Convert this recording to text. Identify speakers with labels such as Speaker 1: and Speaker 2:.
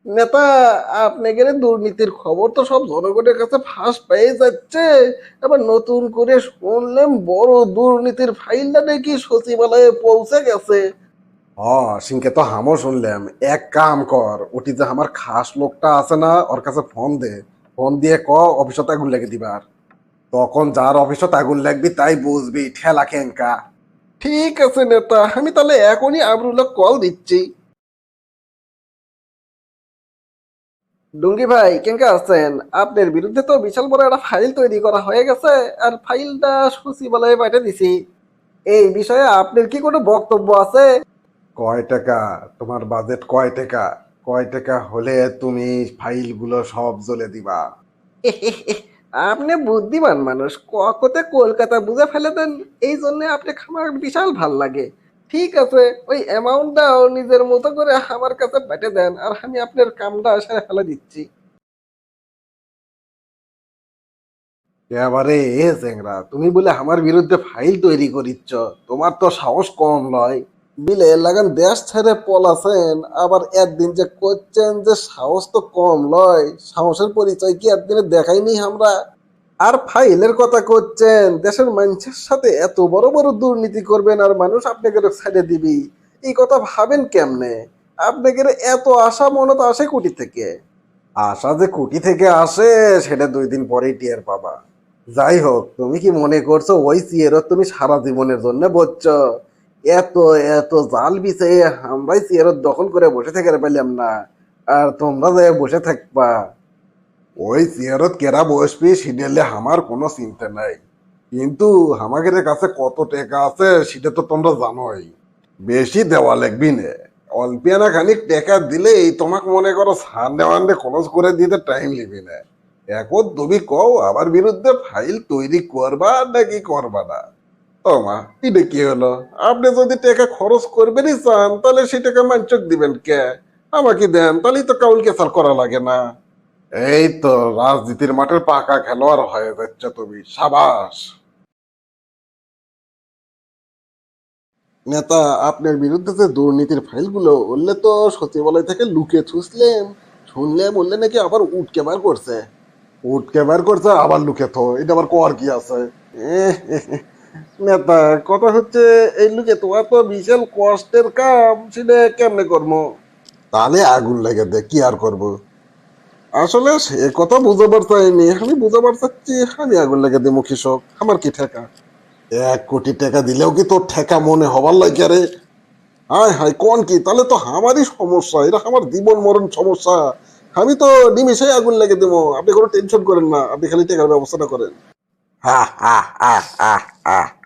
Speaker 1: নেতা, আপনাদের দুর্নীতির খবর তো সব জনগণের কাছে ফাঁস পেয়ে যাচ্ছে। আবার নতুন করে শুনলাম বড় দুর্নীতির ফাইলটা নাকি সচিবালয়ে পৌঁছে গেছে। সিংকে তো হামও শুনলাম। এক কাম কর, ওটি যে আমার খাস লোকটা আছে না, ওর কাছে ফোন দে। ফোন দিয়ে অফিসত আগুন লেগে দিবার। তখন যার অফিসত আগুন লাগবি তাই বুঝবি ঠেলা কেঙ্কা। ঠিক আছে নেতা, আমি তাহলে এখনই আমরুল্লাহ কল দিচ্ছি। ডুঙ্গি ভাই কেঙ্কা আছেন? আপনার বিরুদ্ধে তো বিশাল বড় একটা ফাইল তৈরি করা হয়ে গেছে, আর ফাইলটা সচিবালয়ে পাঠিয়ে দিছি। এই বিষয়ে আপনার কি কোনো বক্তব্য আছে? কয় টাকা? তোমার বাজেট কয় টাকা? কয় টাকা হলে তুমি ফাইলগুলো সব জ্বলে দিবা? আপনি বুদ্ধিমান মানুষ, কতে কলকাতা বুঝে ফেলে দেন। এই জন্য আপনি আমার বিশাল ভাল লাগে। ঠিক আছে, ওই অ্যামাউন্টটাও নিজের মতো করে আমার কাছে পাঠিয়ে দেন, আর আমি আপনার কামটা সেরে ফেলে দিচ্ছি। এবারে এ চেংরা, তুমি বলে আমার বিরুদ্ধে ফাইল তৈরি করিচ্ছ? তোমার তো সাহস কম নয়। বিলে লাগান দেশ ছেড়ে পলাছেন, আবার একদিন যে করছেন যে সাহস তো কম লয়। সাহসের পরিচয় কি একদিনে দেখাইনি আমরা? আর ফাইলের কথা করছেন, দেশের মানুষের সাথে এত বড় বড় দুর্নীতি করবেন আর মানুষ আপনাকে ছেড়ে দিবি? এই কথা ভাবেন কেমনে? আপনাকে এত আশা মনত আসে কোটি থেকে? আশা যে কোটি থেকে আসে সেটা 2 দিন পরেই টের পাবা। যাই হোক, তুমি কি মনে করছো ওই সিয়েরত তুমি সারা জীবনের জন্য বলছো? এত এত জাল বিছে আমরাই সিয়েরত দখল করে বসে থেকে পেলাম না, আর তোমরা যে বসে থাকবা? ওই চেয়ারত কেরা বসবি সেটা আমার কোনো চিন্তা নাই, কিন্তু আমাদের কাছে কত টাকা আছে সেটা তো তোমরা জানোই। বেশি দেওয়া লাগবি না, অল্পিয়ানা খানিক টাকা দিলেই তোমাকে মনে করো সানডে ওয়ানডে খরচ করে দিতে টাইম লিবি না। এখন তুমি কও আমার বিরুদ্ধে ফাইল তৈরি করবা নাকি করবা না? ও মা, এটা কি হলো? আপনি যদি টাকা খরচ করবেনই চান তাহলে সেই টাকা মানচক দিবেন কে? আমাকে দেন, তাহলেই তো কাউল কেসার করা লাগে না। এই তো রাজনীতির মাঠের পাকা খেলোয়াড় হয়ে যাচ্ছে তুমি, সাবাস। নেতা, আপনার বিরুদ্ধে যে দুর্নীতির ফাইলগুলো উঠলে তো সচিবালয় থেকে লুকে থুসলেম। শুনলে বললে নাকি আবার উঠকে বার করছে। উঠকে বার করছে আবার লুকে থো, এটা আবার কর কি আছে? এহ, নেতা, কথা হচ্ছে এই লুকে তোমার তো বিশাল কষ্টের কাম, সেটা কেমনে করবো? তাহলে আগুন লেগে দে, কি আর করবো? আসলে সে কথা বুঝাবার চাইনি, আমি বুঝাবার চাচ্ছি আমি আগুন লেগে দেবো কৃষক, আমার কি ঠেকা? 1 কোটি টাকা দিলেও কি তোর ঠেকা মনে হবার লাগে রে? হায় হায়, কোন কি? তাহলে তো আমারই সমস্যা, এটা আমার জীবন মরণ সমস্যা। আমি তো নিমিশেই আগুন লেগে দেবো, আপনি কোনো টেনশন করেন না, আপনি খালি টাকার ব্যবস্থাটা করেন। হা হা হা হা হা।